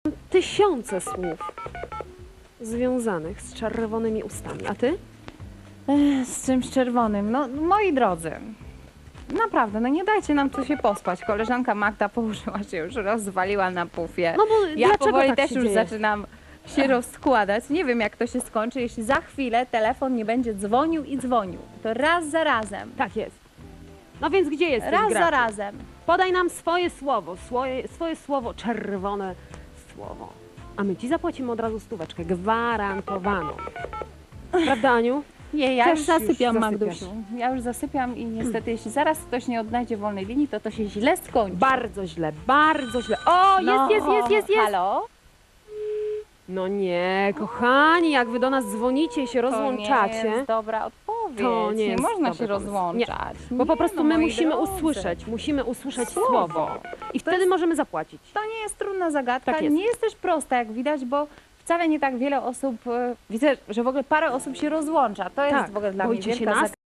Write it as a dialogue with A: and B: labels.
A: Tysiące słów związanych z czerwonymi ustami. A ty?
B: Z czymś czerwonym. No, moi drodzy, naprawdę, no nie dajcie nam tu się pospać. Koleżanka Magda położyła się już, rozwaliła na pufie.
A: No bo
B: Ja
A: dlaczego
B: powoli
A: tak
B: też
A: się
B: już
A: dzieje?
B: zaczynam się rozkładać. Nie wiem, jak to się skończy, jeśli za chwilę telefon nie będzie dzwonił i dzwonił. To raz za razem.
A: Tak jest. No więc gdzie jesteś,
B: Raz za
A: Graczu?
B: razem.
A: Podaj nam swoje słowo, swoje słowo, czerwone słowo. A my ci zapłacimy od razu stóweczkę, gwarantowaną. Prawda, Aniu?
B: Nie, ja
A: Też
B: już
A: już
B: zasypiam,
A: zasypiasz.
B: Magdusiu. Ja już zasypiam i niestety, jeśli zaraz ktoś nie odnajdzie wolnej linii, to się źle skończy.
A: Bardzo źle, bardzo źle. O,
B: No,
A: jest.
B: Halo?
A: No nie, kochani, jak wy do nas dzwonicie i się
B: To nie
A: rozłączacie,
B: jest dobra odpowiedź.
A: To nie jest
B: można
A: dobry
B: się
A: pomysł.
B: rozłączać.
A: bo po
B: Nie,
A: prostu
B: no,
A: my
B: moi
A: musimy
B: drodzy.
A: musimy usłyszeć
B: Słowo.
A: słowo. I wtedy możemy zapłacić.
B: To nie jest trudna zagadka,
A: Tak jest.
B: nie jest też prosta, jak widać, bo wcale nie tak wiele osób, widzę, że w ogóle parę osób się rozłącza. To jest
A: Tak,
B: w ogóle dla mnie
A: boicie się
B: wielka
A: nas?
B: zagadka.